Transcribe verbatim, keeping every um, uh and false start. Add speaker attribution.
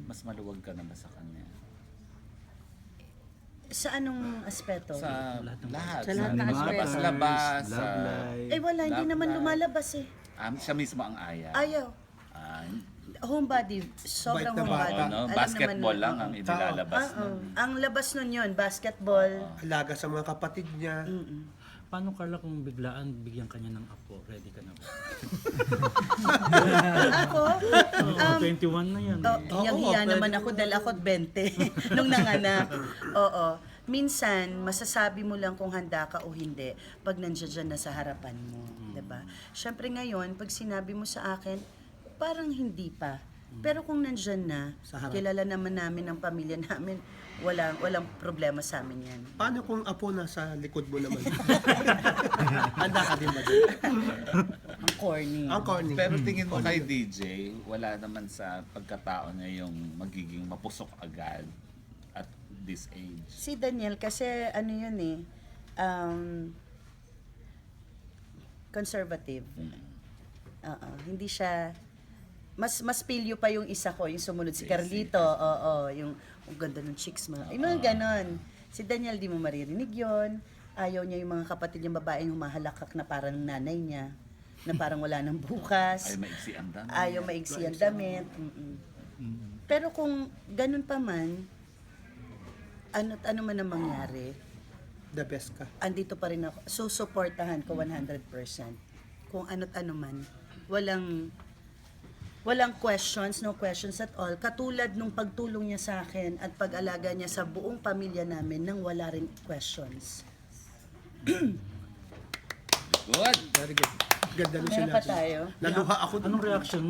Speaker 1: mas maluwag ka na ba sa kanya?
Speaker 2: Sa anong aspeto?
Speaker 1: Sa
Speaker 3: Lahat ng-
Speaker 1: lahat.
Speaker 2: Sa lahat ng aspeto.
Speaker 1: labas-labas.
Speaker 3: Love
Speaker 1: sa-
Speaker 3: life.
Speaker 2: Eh wala, hindi
Speaker 1: Love
Speaker 2: naman
Speaker 1: life.
Speaker 2: lumalabas eh.
Speaker 1: Um, siya mismo ang ayaw.
Speaker 2: Ayaw.
Speaker 1: Ah,
Speaker 2: Homebody, sobrang
Speaker 4: Bait na bata.
Speaker 2: homebody.
Speaker 1: oo, no?
Speaker 2: Alam
Speaker 1: Basketball
Speaker 2: naman,
Speaker 1: lang
Speaker 2: oo.
Speaker 1: ang inilalabas.
Speaker 2: Ah, oo.
Speaker 1: nun.
Speaker 2: Ang labas nun yun, basketball.
Speaker 4: Alaga sa mga kapatid niya.
Speaker 2: Mm-mm.
Speaker 3: Paano, Carla, kung biglaan bigyan kanya ng apo? Ready ka na ba?
Speaker 2: Ako,
Speaker 3: Oo, twenty-one na yan.
Speaker 2: oh,
Speaker 3: eh.
Speaker 2: hiyang-hiya
Speaker 4: pwede.
Speaker 2: naman ako dahil ako twenty nung nanganak. Oo. Minsan, masasabi mo lang kung handa ka o hindi pag nandiyan dyan na sa harapan mo. Diba? Siyempre ngayon, pag sinabi mo sa akin, parang hindi pa. Pero kung nandyan na,
Speaker 4: Sa harap.
Speaker 2: kilala naman namin ng pamilya namin, walang, walang problema sa amin yan.
Speaker 4: Paano kung apo nasa likod mo naman? Handa ka din ba dun?
Speaker 2: Ang corny.
Speaker 4: Ang corny.
Speaker 1: Pero tingin mo kay D J, wala naman sa pagkatao niya yung magiging mapusok agad at this age.
Speaker 2: Si Daniel, kasi ano yun eh, um, conservative. Oo, hindi siya, mas mas pilyo pa yung isa ko, yung sumunod si Carlito, oo, yung ang ganda ng chicks mo. Yung mga ganon. Si Daniel, di mo maririnig yon. Ayaw niya yung mga kapatid niyang babaeng humahalakak na parang nanay niya, na parang wala nang bukas.
Speaker 1: Ay, maiksi ang dami.
Speaker 2: Ayaw maiksi ang damit. Mm-mm. Pero kung ganun pa man, ano't ano man ang mangyari,
Speaker 4: The best ka.
Speaker 2: andito pa rin ako. Susuportahan ko one hundred percent. Kung ano't ano man. Walang walang questions, no questions at all. Katulad nung pagtulong niya sa akin at pag-alaga niya sa buong pamilya namin nang wala rin questions.
Speaker 1: Good.
Speaker 4: Very good. Ganda nung
Speaker 2: Meron pa
Speaker 4: sinabi.
Speaker 2: tayo?
Speaker 4: Naluha ako dun.
Speaker 3: Anong reaction